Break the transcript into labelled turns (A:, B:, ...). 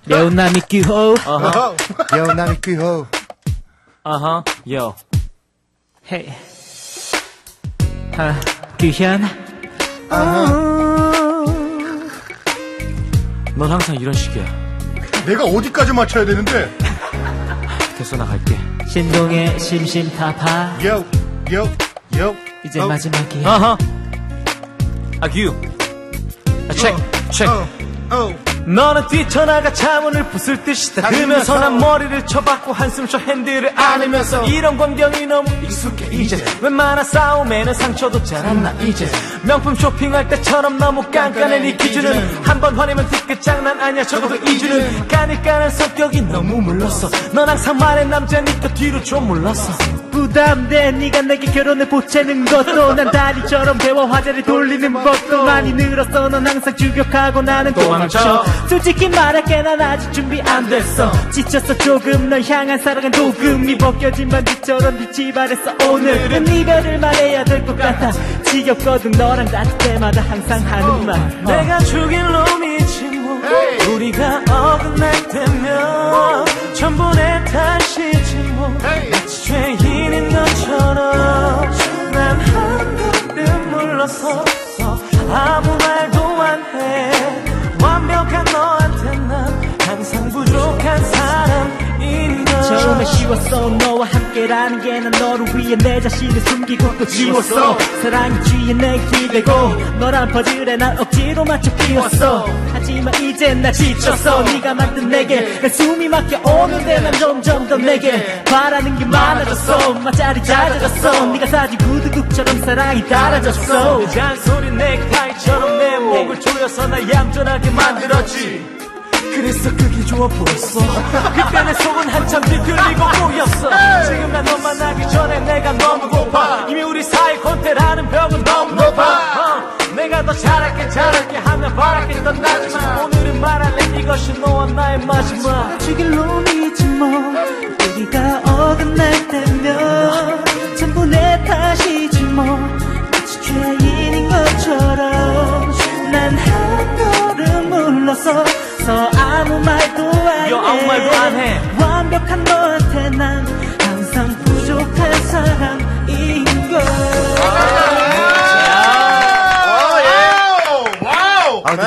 A: Yo, 남이 끼호.
B: Yo, 남이 끼호.
C: Yo.
A: Hey. 규현.
C: 넌 항상 이런 식이야.
B: 내가 어디까지 맞춰야 되는데?
C: 됐어, 나 갈게.
A: 신동의 심심타파.
B: Yo, yo, yo.
A: 이제 마지막이야.
C: 규. 체크. 너는 뛰쳐나가 차문을 부술 듯이 닦으면서 난 머리를 쳐박고 한숨 쉬어 핸들을 안으면서 이런 광경이 너무 익숙해 이제 웬만한 싸움에는 상처도 잘 안 나 이제 명품 쇼핑할 때처럼 너무 깐깐해 네 기준은 한 번 화내면 뒤끝 장난 아니야 적어도 2주는 까니까는 성격이 너무 물렀어 넌 항상 말해 남자니까 뒤로 좀 물렀어
A: 부담돼 네가 내게 결혼을 보채는 것도 난 다리처럼 배워 화제를 돌리는 법도 많이 늘었어 넌 항상 주격하고 나는 도망쳐 솔직히 말할게 난 아직 준비 안 됐어 지쳤어 조금 널 향한 사랑은 도금이 벗겨진 반지처럼 빛이 발했어 오늘은 이별을 말해야 될 것 같아 지겹거든 너랑 같을 때마다 항상 하는 말
C: 내가 죽일 놈이지 뭐 우리가 어긋날 때면 전부 내 탓이지 뭐 마치 죄인인 것처럼 난 한 걸음 물러서서 아무 말도 안 해 완벽한 너한테 난 항상 부족한 사람인 걸
A: 처음에 쉬웠어 너와 함께라는 게 난 너를 위해 내 자신을 숨기고 또 지웠어 사랑이 쥐에 내 기대고 너란 퍼즐에 난 억지로 맞춰 끼웠어 하지만 이젠 나 지쳤어 네가 만든 내게 내 숨이 막혀 오는데 난 점점 더 내게 바라는 게 많아졌어 맛자리 잦아졌어 네가 사진 구두국처럼 사랑이 달아졌어
C: 잔소리 넥타이처럼 내 목을 조여서 날 얌전하게 만들었지 그래서 그게 좋아 보였어 그때 내 속은 한참 뒤틀리고 꼬였어 지금 난 너 만나기 전에 내가 너무 고파 이미 우리 사이 권태라는 벽은 너무 높아 내가 더 잘할게 하면 바랄게 떠나지만 오늘은 말할래 이것이 너와 나의 마지막
A: 죽일 놈이지 뭐 우리가 어긋날 때면 전부 내 탓이지 뭐 마치 죄인인 것처럼 난 한 걸음 물러서서 아무 말도 안 해
C: 아무 말도 안 해